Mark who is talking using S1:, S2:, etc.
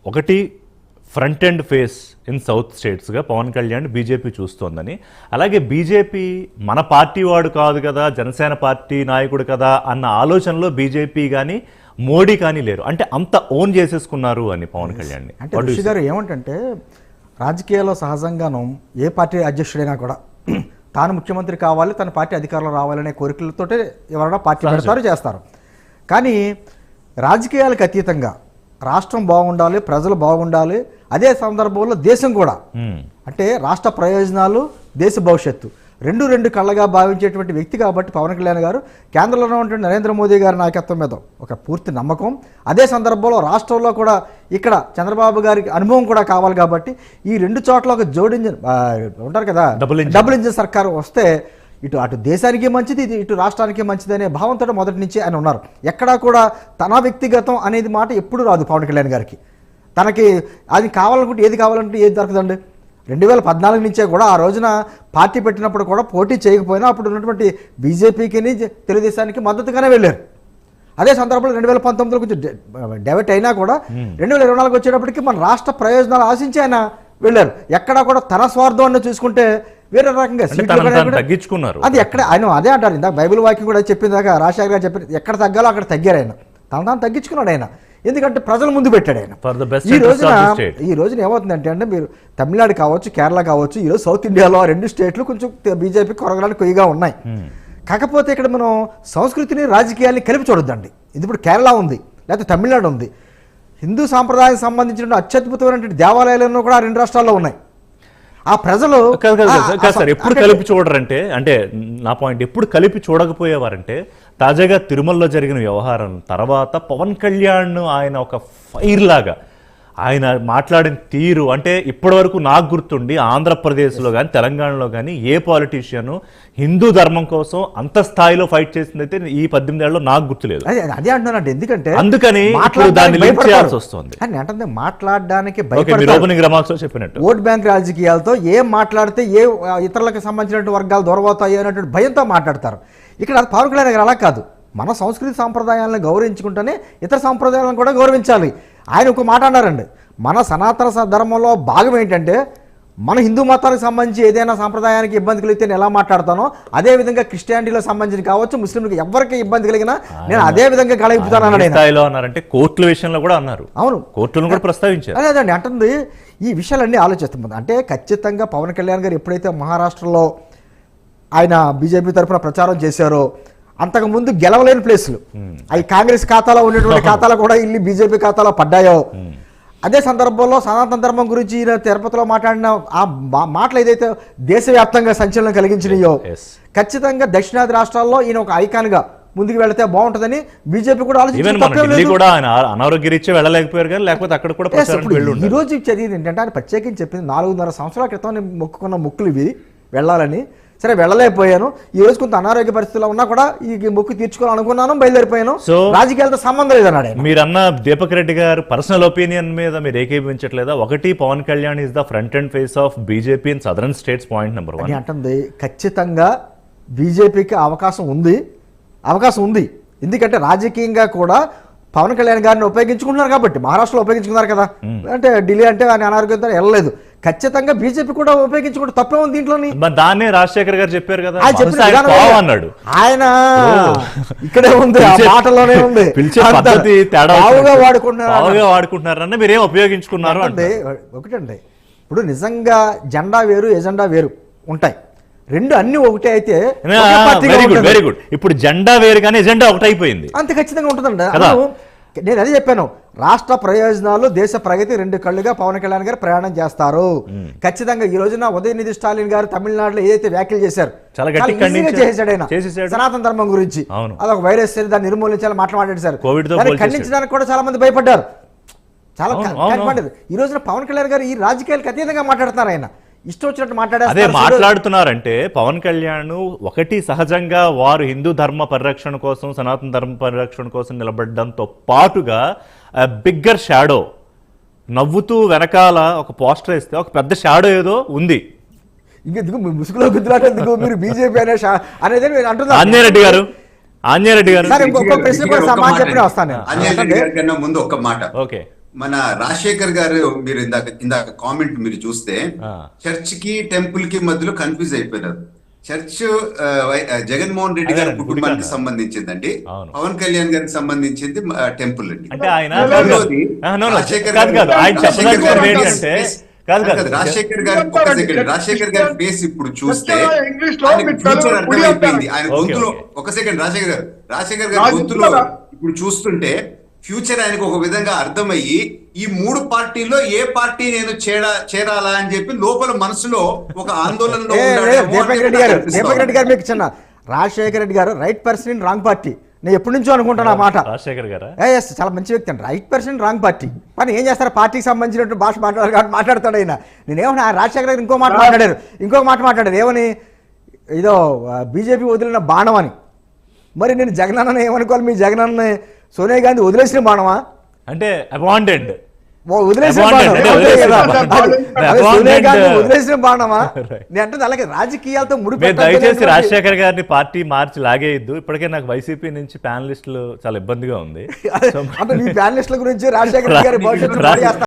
S1: ఒకటి front and face in south స్టేట్స్గా Pawan Kalyan BJP చూస్తోందని, అలాగే బీజేపీ మన పార్టీ వాడు కాదు కదా, జనసేన పార్టీ నాయకుడు కదా అన్న ఆలోచనలో బీజేపీ కానీ మోడీ కానీ లేరు. అంటే అంత ఓన్ చేసేసుకున్నారు అని పవన్ కళ్యాణ్.
S2: అంటే ఋషి గారు ఏమంటే రాజకీయాల్లో సహజంగాను ఏ పార్టీ అధ్యక్షుడైనా కూడా తాను ముఖ్యమంత్రి కావాలి, తన పార్టీ అధికారంలో రావాలనే కోరికలతోటే ఎవరైనా పార్టీ పెడతారు, చేస్తారు. కానీ రాజకీయాలకు అతీతంగా రాష్ట్రం బాగుండాలి, ప్రజలు బాగుండాలి, అదే సందర్భంలో దేశం కూడా, అంటే రాష్ట్ర ప్రయోజనాలు, దేశ భవిష్యత్తు రెండు కళ్ళగా భావించేటువంటి వ్యక్తి కాబట్టి పవన్ కళ్యాణ్ గారు కేంద్రంలో ఉన్నటువంటి నరేంద్ర మోదీ గారి నాయకత్వం మీద ఒక పూర్తి నమ్మకం, అదే సందర్భంలో రాష్ట్రంలో కూడా ఇక్కడ చంద్రబాబు గారికి అనుభవం కూడా కావాలి కాబట్టి ఈ రెండు చోట్ల ఒక జోడింజన్ ఉంటారు కదా, డబుల్ ఇంజిన్ సర్కారు వస్తే అటు దేశానికి మంచిది, ఇటు రాష్ట్రానికి మంచిది అనే భావంతో మొదటి నుంచి ఆయన ఉన్నారు. ఎక్కడా కూడా తన వ్యక్తిగతం అనేది మాట ఎప్పుడు రాదు పవన్ కళ్యాణ్ గారికి. తనకి అది కావాలనుకుంటే ఏది కావాలంటే ఏది దొరకదండి. 2014 నుంచే కూడా ఆ రోజున పార్టీ పెట్టినప్పుడు కూడా పోటీ చేయకపోయినా అప్పుడు ఉన్నటువంటి బీజేపీకి తెలుగుదేశానికి మద్దతుగానే వెళ్ళారు. అదే సందర్భంలో 2019లో కొంచెం డైవర్ట్ అయినా కూడా 2024 వచ్చేటప్పటికి మన రాష్ట్ర ప్రయోజనాలు ఆశించి ఆయన వెళ్ళారు. ఎక్కడా కూడా తన స్వార్థం చూసుకుంటే వేరే రకంగా
S1: తగ్గించుకున్నారు.
S2: అది ఎక్కడ ఆయన అదే అంటారు, ఇందాక బైబిల్ వాక్యం కూడా చెప్పిందాక రాజశేఖర్ గారు చెప్పిన ఎక్కడ తగ్గాలో అక్కడ తగ్గారు ఆయన, తాను తగ్గించుకున్నాడు ఆయన. ఎందుకంటే ప్రజల ముందు పెట్టాడు ఆయన. ఈ రోజున ఏమవుతుందంటే అంటే మీరు తమిళనాడు కావచ్చు, కేరళ కావచ్చు, ఈరోజు సౌత్ ఇండియాలో 2 స్టేట్లు కొంచెం బీజేపీ కొరగడానికి కొయ్యగా ఉన్నాయి. కాకపోతే ఇక్కడ మనం సంస్కృతిని రాజకీయాల్ని కలిపి చూడొద్దండి. ఇది ఇప్పుడు కేరళ ఉంది, లేకపోతే తమిళనాడు ఉంది. హిందూ సాంప్రదాయానికి సంబంధించిన అత్యద్భుతమైనటువంటి దేవాలయాలను కూడా 2 రాష్ట్రాల్లో ఉన్నాయి. ఆ ప్రజలు
S1: సార్ ఎప్పుడు కలిపి చూడరంటే, అంటే నా పాయింట్, ఎప్పుడు కలిపి చూడకపోయేవారంటే తాజాగా తిరుమలలో జరిగిన వ్యవహారం తర్వాత పవన్ కళ్యాణ్ ఆయన ఒక ఫైర్ లాగా ఆయన మాట్లాడిన తీరు, అంటే ఇప్పటి వరకు నాకు గుర్తుండి ఆంధ్రప్రదేశ్లో కానీ తెలంగాణలో కానీ ఏ పాలిటీషియన్ హిందూ ధర్మం కోసం అంత స్థాయిలో ఫైట్ చేసింది అయితే ఈ 18 ఏళ్ళలో నాకు గుర్తులేదు.
S2: అదే అంటున్నానంటే, ఎందుకంటే
S1: అందుకని దాన్ని లింక్ చేయాల్సి వస్తుంది.
S2: అంటే మాట్లాడడానికి
S1: చెప్పినట్టు
S2: ఓట్ బ్యాంక్ రాజకీయాలతో ఏం మాట్లాడితే ఏ ఇతరులకు సంబంధించిన వర్గాలు దొరబోతాయి అనేటువంటి భయంతో మాట్లాడతారు. ఇక్కడ పవన్ కళ్యాణ్ గారు అలా కాదు. మన సంస్కృతి సాంప్రదాయాలను గౌరవించుకుంటేనే ఇతర సాంప్రదాయాలను కూడా గౌరవించాలి. ఆయన ఒక మాట అన్నారండి, మన సనాతన ధర్మంలో భాగం ఏంటంటే మన హిందూ మతానికి సంబంధించి ఏదైనా సాంప్రదాయానికి ఇబ్బంది కలిగితే నేను ఎలా మాట్లాడతానో అదే విధంగా క్రిస్టియానిటీలో సంబంధించి కావచ్చు, ముస్లింలకు ఎవరికి ఇబ్బంది కలిగినా నేను అదే విధంగా
S1: గళిపుతానంటే కోర్టుల విషయంలో కూడా అన్నారు.
S2: అవును,
S1: కోర్టులను కూడా ప్రస్తావించారు.
S2: అదేదండి అంటుంది. ఈ విషయాలన్నీ ఆలోచిస్తుంది. అంటే ఖచ్చితంగా పవన్ కళ్యాణ్ గారు ఎప్పుడైతే మహారాష్ట్రలో ఆయన బీజేపీ తరఫున ప్రచారం చేశారో, అంతకుముందు గెలవలేని ప్లేసులు అవి కాంగ్రెస్ ఖాతాలో ఉన్నటువంటి ఖాతాలో కూడా ఇల్లు బీజేపీ ఖాతాలో పడ్డాయో, అదే సందర్భంలో సనాతన ధర్మం గురించి ఈయన తిరుపతిలో మాట్లాడిన ఆ మాటలు ఏదైతే దేశవ్యాప్తంగా సంచలనం కలిగించినాయో, ఖచ్చితంగా దక్షిణాది రాష్ట్రాల్లో ఈయన ఒక ఐకాన్గా ముందుకు వెళితే బాగుంటుందని బీజేపీ కూడా
S1: అనారోగ్యరీత్యా వెళ్ళలేకపోయారు కానీ లేకపోతే అక్కడ కూడా
S2: ఈ రోజు చదివింది ఏంటంటే ఆయన ప్రత్యేకించి చెప్పింది 4.5 సంవత్సరాల క్రితం నేను మొక్కుకున్న మొక్కులు ఇవి వెళ్ళాలని. సరే వెళ్ళలేకపోయాను, ఈ రోజు కొంత అనారోగ్య పరిస్థితుల్లో ఉన్నా కూడా ఈ మొక్కు తీర్చుకోవాలనుకున్నాను, బయలుదేరిపోయాను, రాజకీయాలతో సంబంధం లేదన్నాడు.
S1: మీరన్న దీపక్ రెడ్డి గారు పర్సనల్ ఒపీనియన్ మీద మీరు ఏకీభించట్లేదా? ఒకటి, Pawan Kalyan is the front and face of BJP in southern states, point number 1
S2: అంటుంది. ఖచ్చితంగా బీజేపీకి అవకాశం ఉంది. ఎందుకంటే రాజకీయంగా కూడా పవన్ కళ్యాణ్ గారిని ఉపయోగించుకుంటున్నారు కాబట్టి. మహారాష్ట్రలో ఉపయోగించుకున్నారు కదా, అంటే ఢిల్లీ అంటే ఆయన అనారోగ్యంతో వెళ్ళలేదు. ఖచ్చితంగా బీజేపీ కూడా ఉపయోగించుకుంటే తప్పే ఉంది దీంట్లోని.
S1: దాన్నే రాజశేఖర్ గారు చెప్పారు కదా,
S2: అన్నాడు ఆయన. ఇక్కడే ఉంది, ఆ మాటలోనే ఉంది.
S1: వాడుకుంటున్నారన్న మీరేం ఉపయోగించుకున్నారు అంటే
S2: ఒకటండి. ఇప్పుడు నిజంగా జెండా వేరు, ఎజెండా వేరు ఉంటాయి. రెండు అన్ని ఒకటే అయితే
S1: వెరీ గుడ్. ఇప్పుడు జెండా వేరు కానీ ఎజెండా ఒకటైపోయింది,
S2: అంతే ఖచ్చితంగా ఉంటుందండి. నేను అదే చెప్పాను, రాష్ట్ర ప్రయోజనాలు, దేశ ప్రగతి 2 కళ్ళుగా పవన్ కళ్యాణ్ గారు ప్రయాణం చేస్తారు. ఖచ్చితంగా ఈ రోజున ఉదయనిధి స్టాలిన్ గారు తమిళనాడులో ఏదైతే వ్యాఖ్యలు చేశారు చేశాడు ఆయన సనాతన ధర్మం గురించి, అదొక వైరస్ దాన్ని నిర్మూలించాలని మాట్లాడాడు సార్. ఖండించడానికి కూడా చాలా మంది భయపడ్డారు, చాలా భయపడ్డారు. ఈ రోజున పవన్ కళ్యాణ్ గారు ఈ రాజకీయాలకు అతీతంగా మాట్లాడుతున్నారు. ఆయన ఇష్టం వచ్చినట్టు
S1: మాట్లాడుతున్నారంటే పవన్ కళ్యాణ్ ఒకటి సహజంగా వారు హిందూ ధర్మ పరిరక్షణ కోసం, సనాతన ధర్మ పరిరక్షణ కోసం నిలబడడంతో పాటుగా బిగ్గర్ షాడో, నవ్వుతూ వెనకాల ఒక పోస్టర్ వేస్తే ఒక పెద్ద షాడో ఏదో ఉంది.
S2: ఇంకెందుకు ముసుగులో గుద్దులాటేందుకు మీరు బీజేపీ అనేది అంటున్నారు.
S1: ఆంజనేయరెడ్డి గారు
S3: ముందు ఒక మాట, మన రాజశేఖర్ గారు మీరు ఇందాక కామెంట్ మీరు చూస్తే
S1: ఆ.
S3: చర్చ్ కి టెంపుల్ కి మధ్యలో కన్ఫ్యూజ్ అయిపోయినారు. చర్చ్ జగన్మోహన్ రెడ్డి గారి
S1: అదేనండి,
S3: కుటుంబానికి
S1: గుడికాడ.
S3: సంబంధించిందండి.
S1: అవును.
S3: పవన్ కళ్యాణ్ గారికి సంబంధించింది టెంపుల్ అండి.
S1: అంటే ఆయన
S3: రెండోది,
S1: no,
S3: రాజశేఖర్
S1: కాదు
S3: గారు-
S1: ఆయన
S3: రాజశేఖర్
S1: చెప్పదలుచుకున్నది
S3: గారి
S1: ఏంటంటే
S3: face-
S1: కాదు
S3: కాదు,
S1: కాదు
S3: రాజశేఖర్ గారి ఒక సెకండ్, రాజశేఖర్ గారి ఫేస్ ఇప్పుడు చూస్తే
S4: ఇంగ్లీష్ లో
S3: ఆయనకి
S4: మీకు
S3: ఫ్యూచర్
S4: తెలుగు
S3: అర్థమైపోయింది. ఆయన
S1: ఓకే,
S3: గొంతులో
S1: ఓకే.
S3: ఒక సెకండ్ రాజశేఖర్ గారి
S4: రాజు
S3: గొంతులో
S4: చెప్తారా?
S3: ఇప్పుడు చూస్తుంటే ఫ్యూచర్ ఆయనకు ఒక విధంగా అర్థమయ్యి ఈ మూడు పార్టీల్లో ఏ పార్టీ నేను చేరాలా అని చెప్పి లోపల మనసులో ఒక ఆందోళనలో ఉన్నాడేమో అని
S2: దీపక్ రెడ్డి
S3: నాకు
S2: గారు
S3: అనిపిస్తా
S2: దీపక్ రెడ్డి
S3: ఉంది.
S2: గారు మీకు చిన్న రాజశేఖర రెడ్డి గారు right person in wrong party. నేను ఎప్పటి నుంచో అనుకుంటాను ఆ మాట.
S1: రాజశేఖర్ గారా
S2: ఎస్, చాలా మంచి వ్యక్తి అండి. Right person wrong party. కానీ ఏం చేస్తారు, పార్టీకి సంబంధించినట్టు భాష మాట్లాడారు కాబట్టి మాట్లాడతాడు ఆయన. నేనేమన్నా రాజశేఖర గారు ఇంకో మాట మాట్లాడారు ఏమని, ఏదో బీజేపీ వదిలిన బాణం అని. మరి నేను జగనన్న ఏమనుకోవాలి, మీ జగనన్న సోనియా గాంధీ వదిలేసిన బాణమా,
S1: అంటే అబాండెడ్
S2: వదిలేసిన
S1: Abandoned,
S2: బాణం?
S1: అంటే
S2: అంతే
S1: వదిలేసిన
S2: కదా.
S4: బాణం.
S2: అదే సోనియా గాంధీ
S1: Abandoned.
S2: వదిలేసిన బాణమా?
S1: Right.
S2: నేను అంటే అలాగే రాజకీయాలతో
S1: మీరు
S2: ముడిపెట్టాలి.
S1: దయచేసి రాజశేఖర్ గారిని పార్టీ మార్చి లాగేయద్దు. ఇప్పటికే నాకు వైసీపీ నుంచి ప్యానలిస్టులు చాలా ఇబ్బందిగా ఉంది.
S2: అంటే మీ ప్యానలిస్టుల గురించి రాజశేఖర రెడ్డి గారి భవిష్యత్తు